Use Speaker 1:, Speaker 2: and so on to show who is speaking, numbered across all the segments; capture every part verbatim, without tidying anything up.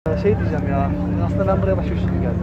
Speaker 1: Şey diyeceğim ya, aslında ben buraya başka bir şey geldim.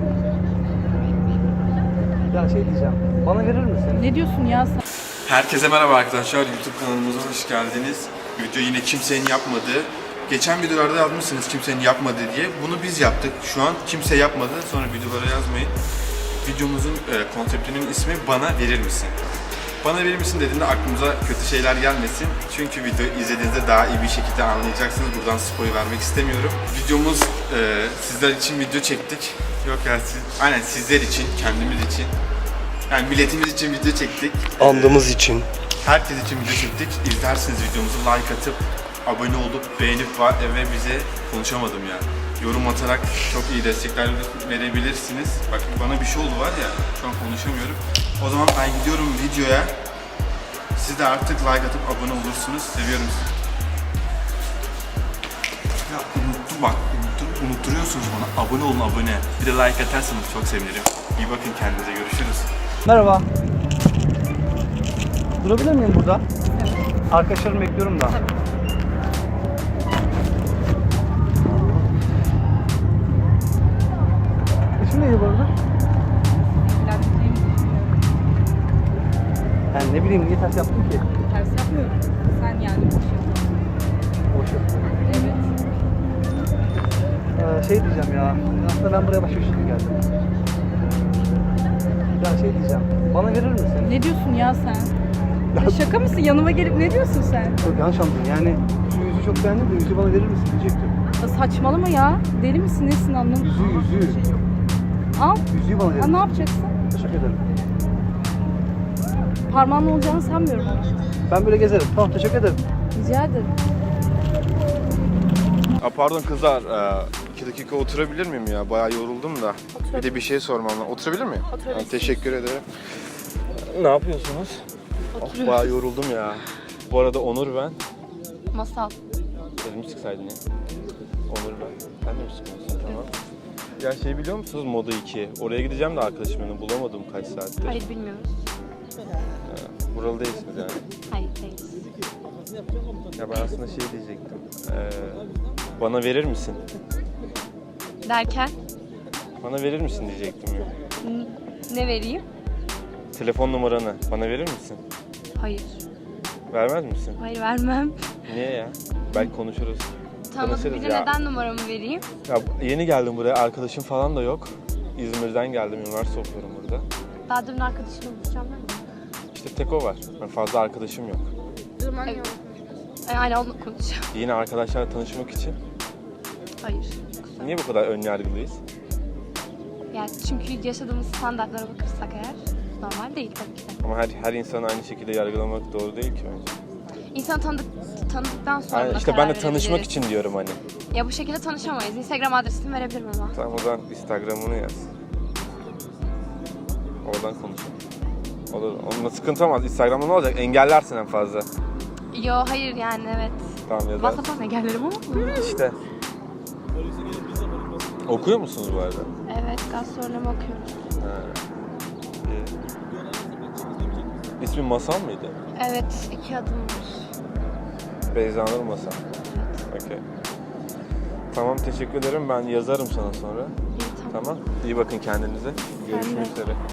Speaker 1: Ya şey diyeceğim, bana verir misin?
Speaker 2: Ne diyorsun ya sen?
Speaker 3: Herkese merhaba arkadaşlar, YouTube kanalımıza hoş geldiniz. Video yine kimsenin yapmadığı. Geçen videolarda yazmışsınız kimsenin yapmadığı diye. Bunu biz yaptık. Şu an kimse yapmadı. Sonra videolara yazmayın. Videomuzun e, konseptinin ismi Bana Verir Misin? Bana verir misin dediğinde aklımıza kötü şeyler gelmesin. Çünkü videoyu izlediğinizde daha iyi bir şekilde anlayacaksınız. Buradan spoiler vermek istemiyorum. Videomuz e, sizler için video çektik. Yok ya, siz, aynen sizler için, kendimiz için. Yani milletimiz için video çektik.
Speaker 4: Andığımız için.
Speaker 3: Herkes için video çektik. İzlersiniz videomuzu, like atıp, abone olup, beğenip ve bize konuşamadım ya. Yorum atarak çok iyi destekler verebilirsiniz. Bak bana bir şey oldu var ya, şu an konuşamıyorum. O zaman ben gidiyorum videoya. Siz de artık like atıp abone olursunuz. Seviyorum sizi. Ya unuttum bak, unuttur, unutturuyorsunuz bana. Abone olun, abone. Bir de like atarsanız çok sevinirim. İyi bakın kendinize, görüşürüz.
Speaker 1: Merhaba. Durabilir miyim burada? Evet. Arkadaşlarımı bekliyorum da.
Speaker 2: Tabii.
Speaker 1: İsim neydi bu arada?
Speaker 2: Evlendiğimi düşünüyorum.
Speaker 1: Yani ne bileyim, niye ters yaptım ki?
Speaker 2: Ters yapmıyorum. Sen yani boş yapıyorsun.
Speaker 1: Boş yaptım.
Speaker 2: Evet.
Speaker 1: Ee, şey diyeceğim ya, aslında ben buraya başka bir şey geldim. Ya şey diyeceğim, bana verir misin?
Speaker 2: Ne diyorsun ya sen? Ya şaka mısın? Yanıma gelip ne diyorsun sen?
Speaker 1: Çok yanlış anladın yani. Şu yüzü çok beğendim de yüzü bana verir misin diyecektim.
Speaker 2: Ya saçmalama ya. Deli misin? Nesin anlamadım.
Speaker 1: Yüzü yüzü.
Speaker 2: Al.
Speaker 1: Yüzüğü bana verir
Speaker 2: Ha,
Speaker 1: misin?
Speaker 2: ne yapacaksın?
Speaker 1: Teşekkür ederim.
Speaker 2: Parmağınla olacağını sanmıyorum ama.
Speaker 1: Ben böyle gezerim. Tamam, teşekkür ederim.
Speaker 2: Rica ederim.
Speaker 4: Aa, pardon kızlar, ee, iki dakika oturabilir miyim ya? Bayağı yoruldum da. Bir de bir şey sormam lazım. Oturabilir miyim?
Speaker 2: Oturabilirsin.
Speaker 4: Ha, teşekkür ederim. Ne yapıyorsunuz? Oh, bayağı yoruldum ya. Bu arada Onur ben.
Speaker 2: Masal.
Speaker 4: Elimi sıksaydın ya. Onur ben. Sen de mi sıkıyorsun? Tamam. Ya şey biliyor musunuz Moda iki? Oraya gideceğim de arkadaşım beni bulamadım kaç saattir.
Speaker 5: Hayır bilmiyoruz.
Speaker 4: Ha, buralı değilsiniz yani.
Speaker 5: Hayır değiliz.
Speaker 4: Ya ben aslında şey diyecektim. Ee, bana verir misin?
Speaker 5: Derken
Speaker 4: Bana verir misin diyecektim ya.
Speaker 5: n- ne vereyim?
Speaker 4: Telefon numaranı bana verir misin?
Speaker 5: Hayır.
Speaker 4: Vermez misin?
Speaker 5: Hayır vermem.
Speaker 4: Niye ya? Belki konuşuruz.
Speaker 5: Tanıdık
Speaker 4: Tanışırız
Speaker 5: biri
Speaker 4: ya.
Speaker 5: neden numaramı vereyim?
Speaker 4: Ya yeni geldim buraya. Arkadaşım falan da yok. İzmir'den geldim. Üniversite okuyorum burada.
Speaker 5: Daha dün arkadaşımla buluşacağım değil mi?
Speaker 4: İşte tek o var. Ben fazla arkadaşım yok.
Speaker 5: Evet. E, aynen onunla konuşacağım.
Speaker 4: Yeni arkadaşlarla tanışmak için.
Speaker 5: Hayır.
Speaker 4: Niye bu kadar ön yargılıyız?
Speaker 5: Yani çünkü yaşadığımız standartlara bakırsak eğer normal değil tabii ki de.
Speaker 4: Ama her her insanı aynı şekilde yargılamak doğru değil ki bence.
Speaker 5: İnsan tanıdık, tanıdıktan sonra
Speaker 4: Yani
Speaker 5: buna
Speaker 4: işte
Speaker 5: karar
Speaker 4: ben de tanışmak
Speaker 5: verebiliriz.
Speaker 4: için diyorum hani.
Speaker 5: Ya bu şekilde tanışamayız. Instagram adresimi verebilirim ama.
Speaker 4: Tamam o zaman Instagram'ını yaz. Oradan konuşalım. O da, onunla sıkıntı olmaz. Instagram'da ne olacak? Engellersin en fazla.
Speaker 5: Yo hayır yani evet.
Speaker 4: Tamam yazar.
Speaker 5: WhatsApp'tan engellerim ama.
Speaker 4: İşte. Okuyor musunuz bu arada?
Speaker 5: Evet gastronomi okuyoruz.
Speaker 4: Ha. İyi. İsmin Masal mıydı?
Speaker 5: Evet iki adım var.
Speaker 4: Beyza Nur Masal. Okey. Tamam teşekkür ederim. Ben yazarım sana sonra.
Speaker 5: İyi tamam.
Speaker 4: Tamam. İyi bakın kendinize. Görüşmek üzere.